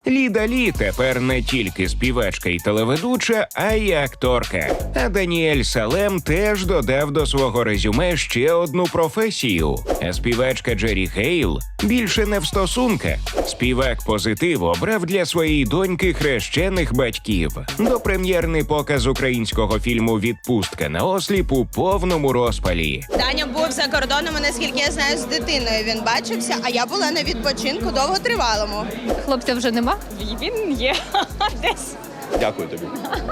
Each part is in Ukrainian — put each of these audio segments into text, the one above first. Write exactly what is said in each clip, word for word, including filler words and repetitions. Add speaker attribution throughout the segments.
Speaker 1: Ліда Лі тепер не тільки співачка і телеведуча, а й акторка. А Даніель Салем теж додав до свого резюме ще одну професію. А співачка Джері Хейл більше не в стосунках. Співак «Позитив» обрав для своєї доньки хрещених батьків. Допрем'єрний показ українського фільму «Відпустка на осліп» у повному розпалі.
Speaker 2: Даня був за кордоном, наскільки я знаю, з дитиною він бачився, а я була на відпочинку довготривалому.
Speaker 3: Хлопця вже нема?
Speaker 4: Він є десь.
Speaker 5: Дякую тобі.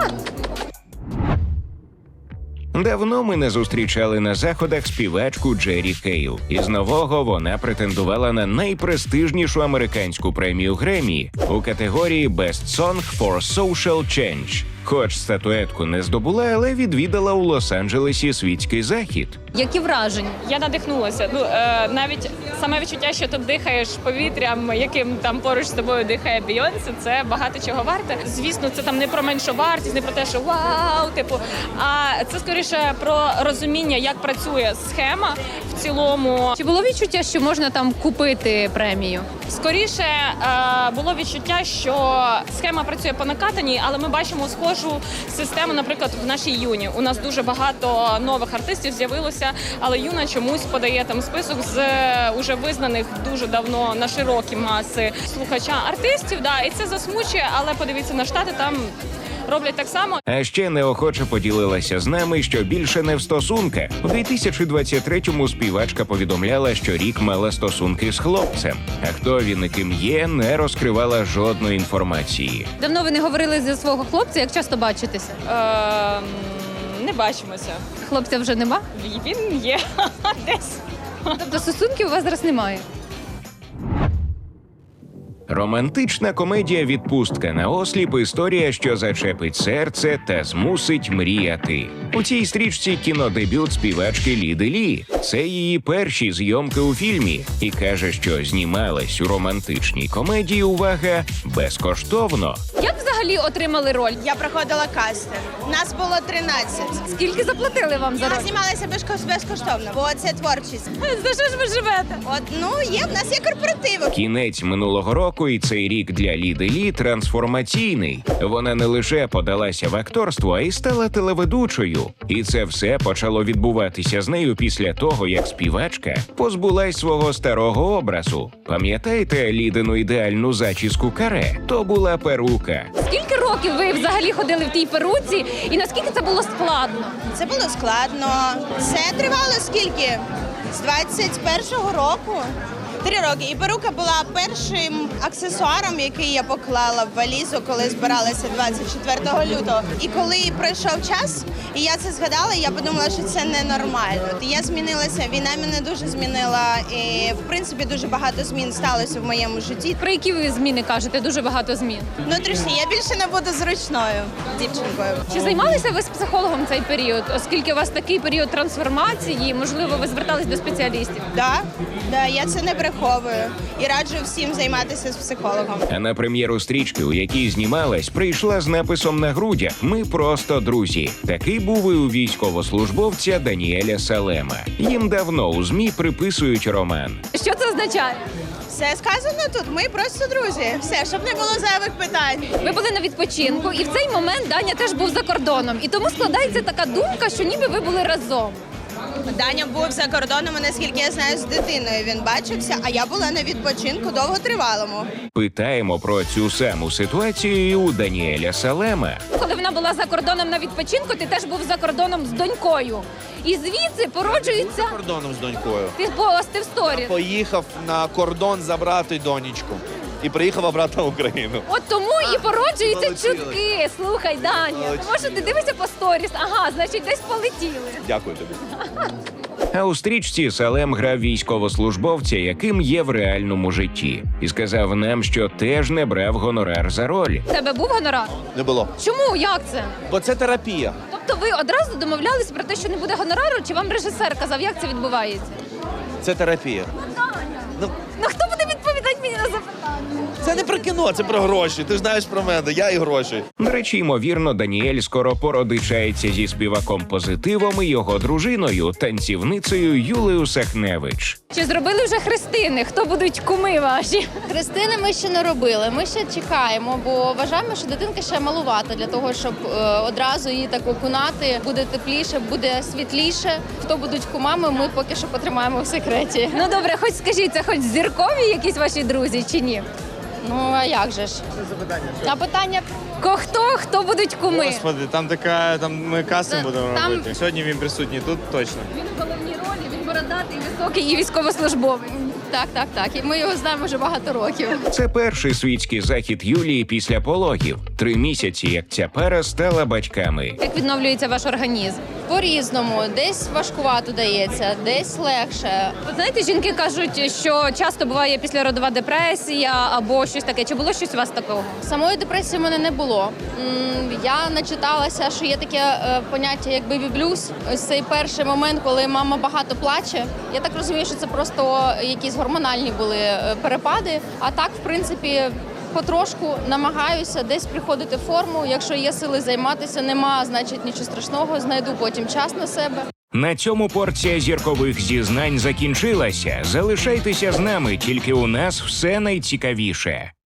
Speaker 1: Давно ми не зустрічали на заходах співачку Джері Хейл. Із нового вона претендувала на найпрестижнішу американську премію Греммі у категорії «Best Song for Social Change». Хоч статуетку не здобула, але відвідала у Лос-Анджелесі світський захід.
Speaker 3: Які враження?
Speaker 4: Я надихнулася. Ну е, навіть саме відчуття, що ти дихаєш повітрям, яким там поруч з тобою дихає Бейонсе, це багато чого варте. Звісно, це там не про меншу вартість, не про те, що вау, типу, а це скоріше про розуміння, як працює схема в цілому.
Speaker 3: Чи було відчуття, що можна там купити премію?
Speaker 4: Скоріше е, було відчуття, що схема працює по накатаній, але ми бачимо схожу систему, наприклад, в нашій Юні. У нас дуже багато нових артистів з'явилося, але Юна чомусь подає там список з е, уже визнаних дуже давно на широкі маси слухача артистів. Да, і це засмучує, але подивіться на Штати, там роблять так само.
Speaker 1: А ще неохоче поділилася з нами, що більше не в стосунках. У дві тисячі двадцять третьому співачка повідомляла, що рік мала стосунки з хлопцем. А хто він і ким є, не розкривала жодної інформації.
Speaker 3: Давно ви не говорили зі свого хлопця, як часто бачитеся?
Speaker 4: Е, не бачимося.
Speaker 3: Хлопця вже нема?
Speaker 4: Він є десь.
Speaker 3: Тобто стосунків у вас зараз немає?
Speaker 1: Романтична комедія «Відпустка на осліп» – історія, що зачепить серце та змусить мріяти. У цій стрічці кінодебют співачки Ліди Лі. Це її перші зйомки у фільмі. І каже, що знімалась у романтичній комедії, увага, безкоштовно.
Speaker 3: Як взагалі отримали роль?
Speaker 2: Я проходила кастинг. Нас було тринадцять.
Speaker 3: Скільки заплатили вам за
Speaker 2: Я
Speaker 3: роль?
Speaker 2: знімалася безко- безкоштовно, бо це творчість.
Speaker 3: За що ж ви живете?
Speaker 2: От, ну, є, в нас є корпоративи.
Speaker 1: Кінець минулого року і цей рік для Ліди Лі трансформаційний. Вона не лише подалася в акторство, а й стала телеведучою. І це все почало відбуватися з нею після того, як співачка позбулась свого старого образу. Пам'ятаєте Лідину ідеальну зачіску каре? То була перука.
Speaker 3: Скільки років ви взагалі ходили в тій перуці і наскільки це було складно?
Speaker 2: Це було складно. Це тривало скільки? З двадцять першого року. Три роки. І перука була першим аксесуаром, який я поклала в валізу, коли збиралася двадцять четвертого лютого. І коли пройшов час, і я це згадала, я подумала, що це ненормально. Я змінилася, війна мене дуже змінила, і в принципі дуже багато змін сталося в моєму житті.
Speaker 3: Про які ви зміни кажете? Дуже багато змін.
Speaker 2: Внутрішні, я більше не буду зручною дівчинкою.
Speaker 3: Чи займалися ви з психологом цей період? Оскільки у вас такий період трансформації, можливо, ви звертались до спеціалістів?
Speaker 2: Да, да, я це не бреховую і раджу всім займатися з психологом.
Speaker 1: А на прем'єру стрічки, у якій знімалась, прийшла з написом на грудях «Ми просто друзі». Такий був і у військовослужбовця Даніеля Салема. Їм давно у ЗМІ приписують роман.
Speaker 3: Що це означає?
Speaker 2: Все сказано тут, ми просто друзі. Все, щоб не було зайвих питань.
Speaker 3: Ви були на відпочинку, і в цей момент Даня теж був за кордоном. І тому складається така думка, що ніби ви були разом.
Speaker 2: Даня був за кордоном, наскільки я знаю, з дитиною він бачився, а я була на відпочинку довготривалому.
Speaker 1: Питаємо про цю саму ситуацію і у Даніеля Салема.
Speaker 3: Коли вона була за кордоном на відпочинку, ти теж був за кордоном з донькою. І звідси породжується...
Speaker 5: За кордоном з донькою.
Speaker 3: Ти постив сторіс.
Speaker 5: Поїхав на кордон забрати донечку. І приїхав обратно в Україну.
Speaker 3: От тому і породжуються
Speaker 5: полетіли.
Speaker 3: чутки. Слухай, Даня,
Speaker 5: Полетіли.
Speaker 3: тому що ти дивишся по сторіс. Ага, значить, десь полетіли.
Speaker 5: Дякую тобі.
Speaker 1: А у стрічці Салем грав військовослужбовця, яким є в реальному житті. І сказав нам, що теж не брав гонорар за роль.
Speaker 3: У тебе був гонорар?
Speaker 5: Не було.
Speaker 3: Чому? Як це?
Speaker 5: Бо це терапія.
Speaker 3: Тобто ви одразу домовлялись про те, що не буде гонорару, чи вам режисер казав, як це відбувається?
Speaker 5: Це терапія. Ну,
Speaker 3: Ну хто буде відповідати мені на запитання?
Speaker 5: Це не про кіно, це про гроші. Ти ж знаєш про мене, я і гроші.
Speaker 1: До речі, ймовірно, Даніель скоро породичається зі співаком Позитивом і його дружиною, танцівницею Юлею Сахневич.
Speaker 3: Чи зробили вже хрестини? Хто будуть куми ваші?
Speaker 6: Хрестини ми ще не робили. Ми ще чекаємо, бо вважаємо, що дитинка ще малувата для того, щоб е, одразу її так окунати. Буде тепліше, буде світліше. Хто будуть кумами, ми поки що потримаємо в секреті.
Speaker 3: Ну добре, хоч скажіть, це хоч зіркові якісь ваші друзі чи ні?
Speaker 6: Ну а як же ж? Це запитання. А питання
Speaker 3: Ко хто, хто будуть куми?
Speaker 7: Господи, там така, там ми кастинг
Speaker 6: Та-
Speaker 7: будемо
Speaker 6: там-
Speaker 7: робити. Сьогодні він присутній тут точно.
Speaker 3: Він в головній ролі, він бородатий, високий і військовослужбовець.
Speaker 6: так, так, так. І ми його знаємо вже багато років.
Speaker 1: Це перший світський захід Юлії після пологів. Три місяці, як ця пара стала батьками.
Speaker 3: Як відновлюється ваш організм?
Speaker 6: По-різному, десь важкувато дається, десь легше.
Speaker 3: От знаєте, жінки кажуть, що часто буває післяродова депресія або щось таке. Чи було щось у вас такого?
Speaker 6: Самої депресії в мене не було. М, Я начиталася, що є таке е, поняття як бебі-блюз. Ось цей перший момент, коли мама багато плаче. Я так розумію, що це просто якісь гормональні були е, перепади. А так, в принципі, потрошку намагаюся десь приходити в форму. Якщо є сили займатися, нема, значить нічого страшного. Знайду потім час на себе.
Speaker 1: На цьому порція зіркових зізнань закінчилася. Залишайтеся з нами, тільки у нас все найцікавіше.